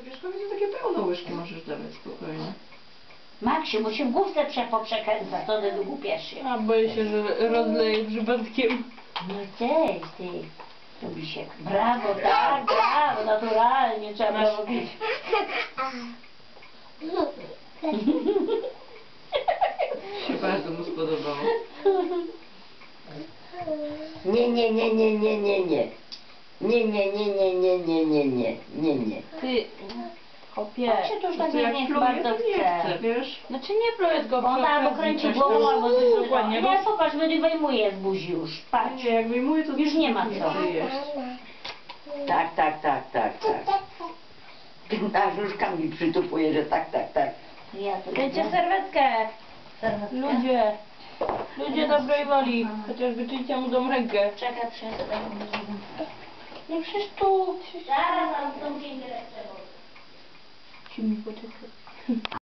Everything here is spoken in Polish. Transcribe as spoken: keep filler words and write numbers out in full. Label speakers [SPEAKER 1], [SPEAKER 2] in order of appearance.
[SPEAKER 1] Wiesz, to będzie takie pełne łyżki możesz dawać spokojnie.
[SPEAKER 2] Maksiu, bo się w główce przepoprzekręca, to ty głupiesz się.
[SPEAKER 3] A boję się, że rozleję przypadkiem.
[SPEAKER 2] No cześć, ty. Robi się. Brawo, tak, brawo, naturalnie trzeba robić.
[SPEAKER 1] Się bardzo mu spodobało.
[SPEAKER 4] Nie, nie, nie, nie, nie, nie, nie. Nie, nie, nie, nie, nie, nie, nie, nie, nie, nie.
[SPEAKER 3] Ty, chopie.
[SPEAKER 2] Jak się to już tak
[SPEAKER 1] To jak
[SPEAKER 2] nie
[SPEAKER 1] pluje,
[SPEAKER 2] bardzo
[SPEAKER 1] to nie chce,
[SPEAKER 2] chce.
[SPEAKER 1] wiesz?
[SPEAKER 3] Znaczy nie pluję go
[SPEAKER 2] On albo kręci głową, albo coś
[SPEAKER 3] dokładnie.
[SPEAKER 2] Nie, popatrz, będzie wyjmuje z buzi już. Patrz.
[SPEAKER 1] Nie, jak wyjmuję, to
[SPEAKER 2] Już nie ma co.
[SPEAKER 1] chce jeść.
[SPEAKER 4] Tak, tak, tak, tak, tak. Ta żużka mi przytupuje, że tak, tak, tak.
[SPEAKER 2] Ja to
[SPEAKER 3] Dajcie serwetkę.
[SPEAKER 2] serwetkę.
[SPEAKER 3] Ludzie. Ludzie dobrej woli. Chociaż wyczyjcie mu tą rękę.
[SPEAKER 2] Czekaj, przyniosę taką.
[SPEAKER 3] No przecież tu.
[SPEAKER 2] Zaraz, ale w tą dzień dyrektorze.
[SPEAKER 3] Ci mi poczekaj.